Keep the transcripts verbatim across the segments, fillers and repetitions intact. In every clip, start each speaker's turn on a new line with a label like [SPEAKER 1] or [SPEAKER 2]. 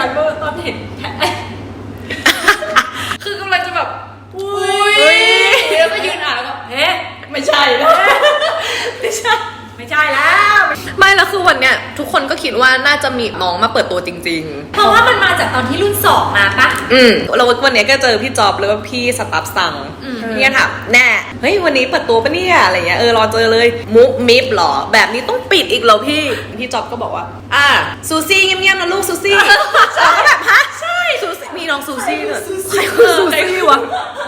[SPEAKER 1] กันเมื่อตอนเห็นคือกำลังจะแบบอุ้ยแล้วก็ยืนอ่านแล้วก็เฮ้ไม่ใช่แล้วไม่ใช่ไม่ใช่แล้ว
[SPEAKER 2] ไม่แล้วคือวันเนี้ยทุกคนก็คิดว่าน่าจะมีน้องมาเปิดตัวจริงๆ
[SPEAKER 1] เพราะว่ามันมาจากตอนที่รุ่นสองมาปะ
[SPEAKER 2] อืมเราวันเนี้ยก็เจอพี่จอบหรือว่าพี่สตัฟสั่งเนี่ยถามแน่เฮ้ยวันนี้เปิดตัวปะเนี่ยอะไรเงี้ยเออรอเจอเลยมุกมิฟหรอแบบนี้ต้องปิดอีกเหรอพี่พี่จอบก็บอกว่าอ่าซูซี่เงียบๆนะลูกซูซี่เราก็แบบฮะใช่ซูซี่มีน้องซูซี่เนี่ยใครคือซูซี่วะ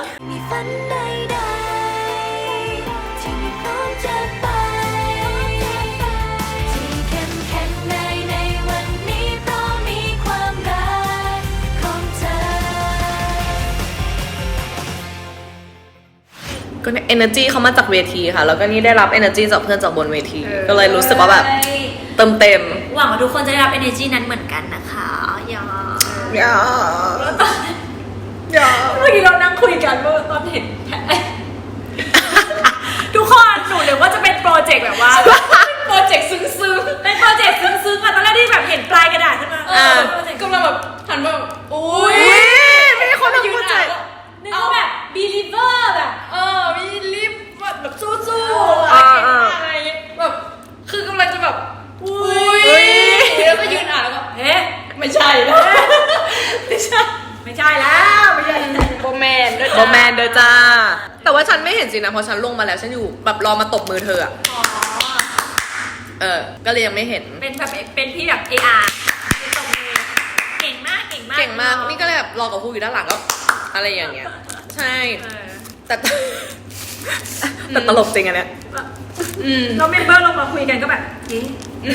[SPEAKER 2] ก็เนี่ย energy เขามาจากเวทีค่ะแล้วก็นี่ได้รับ energy จากเพื่อนจากบนเวทีก็เลยรู้สึกว่าแบบเติมเต็ม
[SPEAKER 1] หวังว่าทุกคนจะได้รับ energy นั้นเหมือนกันนะคะอย่า
[SPEAKER 2] อย่า
[SPEAKER 1] อย่าเมื่อกี้เรานั่งคุยกันเมื่อตอนเห็นทุกคนหนูเลยว่าจะเป็นโปรเจกต์แบบว่าโปรเจกต์ซึ้งๆเป็นโปรเจกต์ซึ้งๆอะตอนแรกที่แบบเห็นปลายกระดาษขึ้นมาก็มาแบบหันมาแบบอุ้ย
[SPEAKER 2] ไม่ใช่คนทำโปรเจกต์
[SPEAKER 1] เอาแบบ believer แบบเออ believe แบบสู้ๆอะไรแบบคือกำลังจะแบบอุ้ยแล้วก็ยืนอ่านแล้วก็เฮ้ไม่ใช่แล้วไม่ใช่ไม่ใช่แล้วไม่ใช่โบแมนด้วย
[SPEAKER 2] โบแมนเด้อจ้าแต่ว่าฉันไม่เห็นสินะเพราะฉันลงมาแล้วฉันอยู่แบบรอมาตบมือเธออ่ะเออก็เลยยังไม่เห็น
[SPEAKER 1] เป็นแบบเป็นพี่แบบ เอ อาร์ ตบมือเก่งมากเก่งมาก
[SPEAKER 2] เก่งมากนี่ก็เลยแบบรอกับครูอยู่ด้านหลังก็อะไรอย่างเงี้ยใช่แต่แต่ตลกจริงอันเนี้ย
[SPEAKER 1] เราเมมเบอร์ลงมาคุยกันก็แบบเอ๊ะ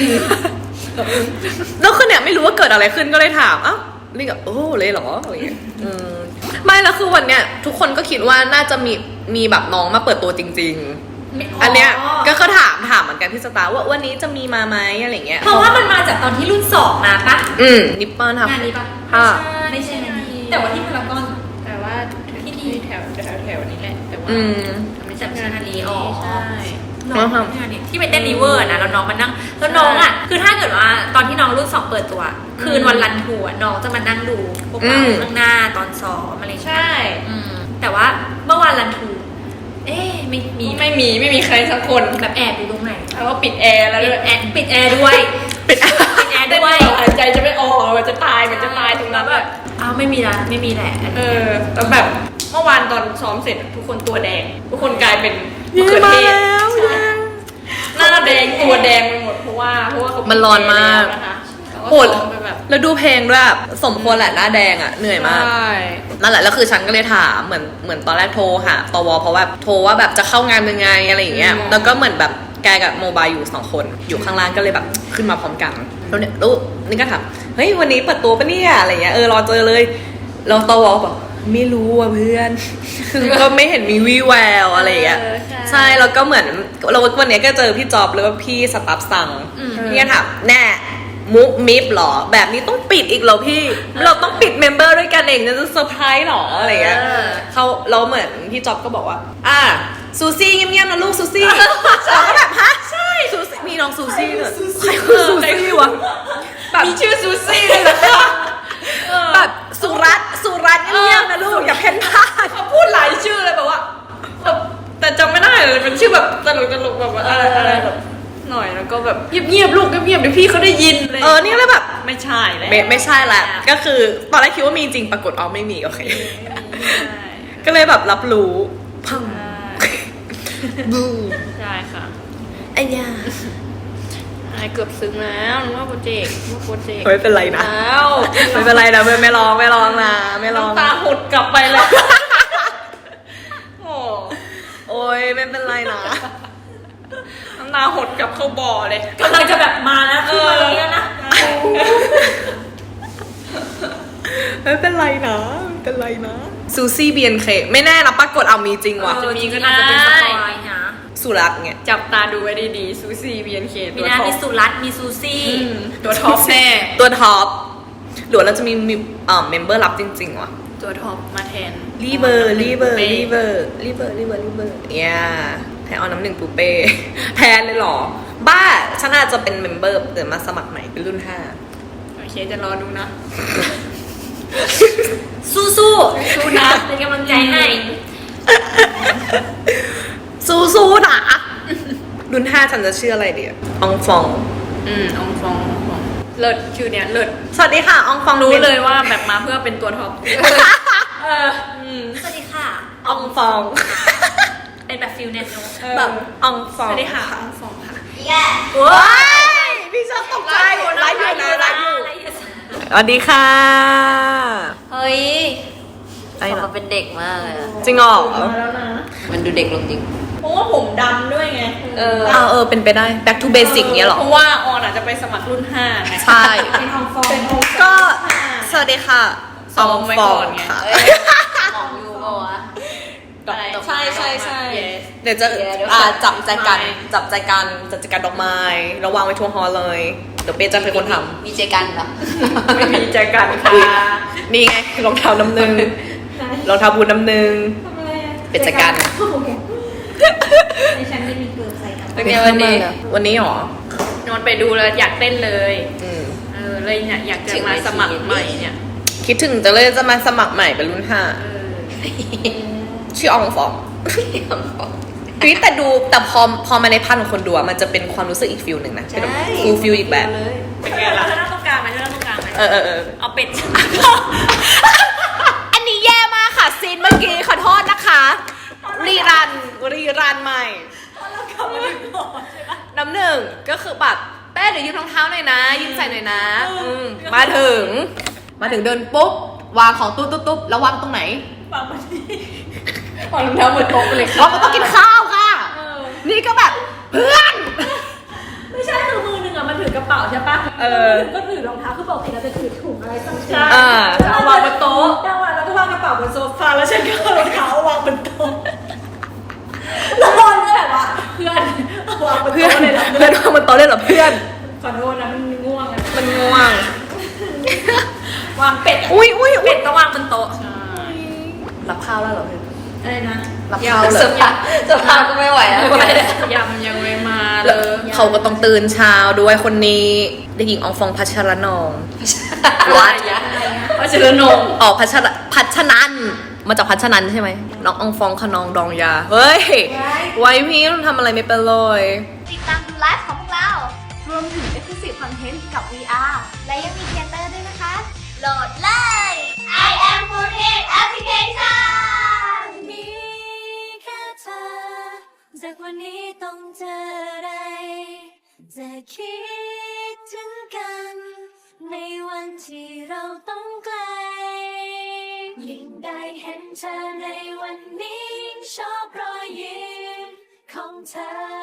[SPEAKER 2] แล้วคือเนี่ยไม่รู้ว่าเกิดอะไรขึ้นก็เลยถามอ้าวนี่กับโอ้เลยเหรออะไรอย่างเงี้ยไม่แล้วคือวันเนี้ยทุกคนก็คิดว่าน่าจะมีมีแบบน้องมาเปิดตัวจริงๆอันเนี้ยก็เขาถามถามเหมือนกันที่สตาร์ว่าวันนี้จะมีมาไหมอะไรเงี้ย
[SPEAKER 1] เพราะว่ามันมาจากตอนที่รุ่นสองมาปะ
[SPEAKER 2] อืมนิปปอน
[SPEAKER 1] ทำงานนี้ปะ
[SPEAKER 2] ค่ะ
[SPEAKER 1] ไม่ใช่งานนี้แต่ว่าที่พารากอน
[SPEAKER 3] แต่ว่าที่ที่แถวแถวแถวนี้แหละแต่ว่า
[SPEAKER 1] ไม่ใช่งานนี้อ๋อ
[SPEAKER 3] ใช่
[SPEAKER 1] น้องทำที่ไปเต้นรีเวอร์นะแล้วน้องมานั่งแล้วน้องอ่ะคือถ้าเกิดว่าตอนที่น้องรุ่นสองเปิดตัวคืนวันรันทัวร์น้องจะมานั่งดูพวกเราข้างหน้าตอนซ้อมอะไร
[SPEAKER 3] ใช่
[SPEAKER 1] แต่ว่าเมื่อวานรันทัวร์เอ๊ะไม่มี
[SPEAKER 3] ไม่มีไม่มีใครสักคน
[SPEAKER 1] แบบแอบอยู่ตรงไหน
[SPEAKER 3] แล้วก็ปิดแอร์แล้วด้วย
[SPEAKER 1] แอร์ปิดแอร์ด้วย
[SPEAKER 2] ปิดแอ
[SPEAKER 1] ร์ด้วย
[SPEAKER 3] หายใจจะไม่ออกมันจะตายมันจะตายตรงนั้นแบบ
[SPEAKER 1] อ้าวไม่มีละไม่มีแหละ
[SPEAKER 3] เออแต่แบบเมื่อวานตอนซ้อมเสร็จทุกคนตัวแดงทุกคนกลายเป็นมะเขือเทศหน้าแดงตัวแดงไปหมดเพราะว่าเพราะว่า
[SPEAKER 2] มันร้อนมากปวดแล้วดูเพลงด้วยสมควรแหละหน้าแดงอ่ะเหนื่อยมากนั่นแหละแล้วคือฉันก็เลยถามเหมือนเหมือนตอนแรกโทรหาตวเพราะว่าโทรว่าแบบจะเข้างานยังไงอะไรอย่างเงี้ยแล้วก็เหมือนแบบแกกับโมบายอยู่สองคนอยู่ข้างล่างก็เลยแบบขึ้นมาพร้อมกันแล้วเนี่ยลูกนี่ก็ถามเฮ้ยวันนี้เปิดตัวปะเนี่ยอะไรเงี้ยเออรอเจอเลยเราตวบอกไม่รู้อ่ะเพื่อนคือก็ไม่เห็นมีวี่แววอะไรอย่างเงี้ยใช่แล้วก็เหมือนเราวันนี้ก็เจอพี่จอบหรือว่าพี่สตัฟสั่งเนี่ยถามแน่มุกมิฟหรอแบบนี้ต้องปิดอีกเหรอพี่เราต้องปิดเมมเบอร์ด้วยกันเองจะเซอร์ไพรส์หรออะไรเงี้ยเขาเราเหมือนพี่จอบก็บอกว่าอ่าซูซี่เงียบๆนะลูกซูซี่เราก็แบบฮะใช่ซูซี่มีน้องซูซี่เนี่ยใครคือซูซี่วะ
[SPEAKER 3] แบบมีชื่อซูซี่เลยเหรอ
[SPEAKER 2] แบบสุรัตสุรัตเงียบๆนะลูกอย่าเพ่นพ่าน
[SPEAKER 3] เขาพูดหลายชื่อเลยแบบว่าแต่จำไม่ได้เลยเป็นชื่อแบบตลกตลกแบบอะไรอะไรแบบหน่อยแล้วก็แบบเงียบๆลูกเงียบๆเดี๋ยวพี่เขาได้ยินเลย
[SPEAKER 2] เออนี่เลยแบบ
[SPEAKER 3] ไม่ใช่แล้ว
[SPEAKER 2] ไม่ใช่แหละก็คือตอนแรกคิดว่ามีจริงปรากฏอ๋อไม่มีโอเคก็เลยแบบรับรู้พังบู
[SPEAKER 3] ใช่ค่ะ
[SPEAKER 2] ไอ้ยา
[SPEAKER 3] เกือบซึ้งแล้วนึกว่าโปรเจกต์ว่าโปรเจกต์
[SPEAKER 2] ไม่เป็นไรนะไม่เป็นไรนะไม่ไม่ร้องไม่ร้องนะไม่ร้อง
[SPEAKER 3] ตาหดกลับไปแล้วโอ้
[SPEAKER 2] โอ้ยไม่เป็นไรนะ
[SPEAKER 3] น้ำตาหดกลับเข้าบ่อเลย
[SPEAKER 1] กำลังจะแบบมาแล้วคือมาแล้วนะ
[SPEAKER 2] ไม่เป็นไรนะไม่เป็นไรนะซูซี่บีเอ็นเคไม่แน่นะปรากฏเอามีจริงว่ะ
[SPEAKER 1] จะมีก็น่าจะเป็นสปอยนะ
[SPEAKER 2] สุรัตน์เนี่ย
[SPEAKER 3] จับตาดูไว้ดีๆซูซี่ บี เอ็น เค
[SPEAKER 1] ตัวท็อปมีสุรัตน์มีซูซี่
[SPEAKER 3] ตัวท็อปแน่
[SPEAKER 2] ตัวท็อปหรือเราจะมีมีอ่าเมมเบอร์รับจริงๆว่ะ
[SPEAKER 3] ตัวท็อปมาแทน
[SPEAKER 2] รีเบอร์รีเบอร์รีเบอร์รีเบอร์รีเบอร์รีเบอร์เนี่ยแทนเอาน้ำหนึ่งปูเป้แทนเลยหรอบ้าฉันอาจจะเป็นเมมเบอร์เดี๋ยวมาสมัครใหม่เป็นรุ่นห้า
[SPEAKER 3] เคจะรอดูนะ
[SPEAKER 1] สู้สู้สู้นะเป็นกำลังใจให้
[SPEAKER 2] สู้ๆนะรุ่นห้าฉันจะชื่ออะไรดีอะอองฟอง
[SPEAKER 3] อืมอองฟองอองฟองเลิศชื่อเนี้ยเลิศ
[SPEAKER 2] สวัสดีค่ะอองฟอง
[SPEAKER 3] รู้เลยว่าแบบมาเพื่อเป็นตัวท็อปเอออืม
[SPEAKER 1] สวัสดีค่ะ
[SPEAKER 2] อองฟอง
[SPEAKER 1] เป็นแบบฟิลเน็ตโน
[SPEAKER 2] แบบอองฟ
[SPEAKER 3] ส
[SPEAKER 2] อง
[SPEAKER 3] วัสดีค่ะอองฟองค่ะ
[SPEAKER 1] แย่
[SPEAKER 2] ว้ายพี่ชอบตกใจไลฟ์อยู่นะไลฟ์อยู่สวัสดีค่ะ
[SPEAKER 1] เฮ้ย
[SPEAKER 2] ไอ้
[SPEAKER 1] อ
[SPEAKER 2] เหรอ
[SPEAKER 1] อกมาเป็นเด็กมากเลยอะ
[SPEAKER 2] จริงเหรอ
[SPEAKER 3] มาแล้วนะ
[SPEAKER 1] มันดูเด็กลงจริง
[SPEAKER 3] เพราะว่าผมดำด้วยไง
[SPEAKER 2] เออเอาเออเป็นไปได้ back to basic เนี้ยเหรอ
[SPEAKER 3] เพราะว่าออนอาจจะไปสมัครรุ่นห้าไง
[SPEAKER 2] ใช่
[SPEAKER 3] เป็นอองฟองเป็นอองฟอง
[SPEAKER 2] ก็ สวัสดีค่ะ
[SPEAKER 3] ซ้อมไว้ก่อนไง
[SPEAKER 2] ค่ะ
[SPEAKER 1] มองอยู่ปะวะ อะไร
[SPEAKER 3] ใช่ใช่ใช่
[SPEAKER 2] Yes เดี๋ยวจะ
[SPEAKER 1] เดี๋ยว
[SPEAKER 2] อ่าจับใจกัน
[SPEAKER 3] ไม่
[SPEAKER 2] จับใจกันจับใจกันดอกไม้แล้ววางไว้ทั่วฮอลเลย เดี๋ยวเป้จะเป็นคนท
[SPEAKER 1] มีเจกันเหรอ
[SPEAKER 3] ไม่มีใจกันค่ะ
[SPEAKER 2] ำนี่ไงรองเท้าน้ำหนึ่งรองเท้าบูทน้ำหนึ่ง
[SPEAKER 3] ทำอะไรอะ
[SPEAKER 2] เป็นใจกัน
[SPEAKER 3] ในฉันไม่มีเกิร์ลใส่กัน
[SPEAKER 2] เป็นไงวันนี้ วันนี้หรอน
[SPEAKER 3] อนไปดูแล้วอยากเต้นเลย
[SPEAKER 2] อืม
[SPEAKER 3] เออเลยเนี่ยอยากจะมาสมัครใหม่เนี่ย
[SPEAKER 2] คิดถึงจะเลยจะมาสมัครใหม่เป็นรุ่นห้า
[SPEAKER 3] เออ
[SPEAKER 2] ชื่ออองฟองเฮ้ยแต่ดูแต่พอพอมาในพันของคนดูอะมันจะเป็นความรู้สึกอีกฟิลหนึ่งนะเป็นแบบฟูลฟิลอีกแบบ
[SPEAKER 3] เป็นไงล่ะเธอนั่งตรงกลางไหมเธอนั่งตรงกลางไหม
[SPEAKER 2] เออเออเออ
[SPEAKER 3] เอาเป็ด
[SPEAKER 2] อันนี้แย่มากค่ะซีนเมื่อกี้ขอโทษนะคะ รีรันรีรันใหม่น้ำหนึ่งก็คือแบบแป้เดี๋ยวยืมรองเท้าหน่อยนะยืมใส่หน่อยนะอืมมาถึง มาถึงเดินปุ๊บวางของตุ๊บตุ๊บตุ๊บแล้ววางตรงไหน
[SPEAKER 3] ฟังมาดีวางรองเท้าบนโต๊ะไปเลย
[SPEAKER 2] วางบนโต๊ะกินข้าวค่ะ นี่ก็แบบเพื่อน
[SPEAKER 3] ไม่ใช่คือมือหนึ่งอะมันถือกระเป๋าใช่ปะ
[SPEAKER 2] เออ
[SPEAKER 3] ก็ถือรองเท้าคือปกติเราจะถือถุงอะไรสักอ
[SPEAKER 2] ใช่
[SPEAKER 3] ย่าง
[SPEAKER 2] อ่า
[SPEAKER 3] เอาวางบนโต๊ะจังหวะเราก็วางกระเป๋าบนโซฟาแล้วฉันก็เอารองเท้าวางบนโต๊ะแล้วนอนก็แบบว่าเพื่อนเอาวางบน
[SPEAKER 2] เพื่อ
[SPEAKER 3] โต๊ะ
[SPEAKER 2] น
[SPEAKER 3] เลยนะ
[SPEAKER 2] เพื่อนวางบนโต๊ะเลยเหรอเพื่อน
[SPEAKER 3] ขอโทษนะมันง่วงอะ
[SPEAKER 2] มันง่วง
[SPEAKER 3] วางเป็ดอะ
[SPEAKER 2] อุ้ยอุ้ยอุ้
[SPEAKER 3] เป็
[SPEAKER 2] ย
[SPEAKER 3] ดต้องวางบนโต๊ะใช่
[SPEAKER 2] รับข้าวแล้วเหรอเพื่อน
[SPEAKER 3] อะไรนะ
[SPEAKER 2] รับข้าวเลย
[SPEAKER 1] เสื้อผ้าเสื้อผ้าก็ไม่ไหวแล้ว
[SPEAKER 3] ยำยังไม่มาเล
[SPEAKER 2] แล้ว
[SPEAKER 3] ย
[SPEAKER 2] เขาก็ต้องตื่นเช้าด้วยคนนี้เด็กหญิงอองฟองพัชรนอง
[SPEAKER 3] วัดเพราะฉะนั้นนง
[SPEAKER 2] ออกพัชรพัชนันมาจากพัชนันใช่ไหมน้องอองฟองขนองดองยาเฮ้ยไว้พี่ทำอะไรไม่เป็นเลย
[SPEAKER 4] ติดตามดูไลฟ์ของพวกเรา รวมถึง Exclusive Content กับ วี อาร์ และยังมีเทเตอร์ด้วยนะคะ โหลดเลย I am Foodhead Application
[SPEAKER 5] มีแค่เธอ จากวันนี้ต้องเจออะไร จะคิดถึงกัน ในวันที่เราต้องไกล ยิ่งได้เห็นเธอในวันนี้ยิ่งชอบรอยยิ้มของเธอ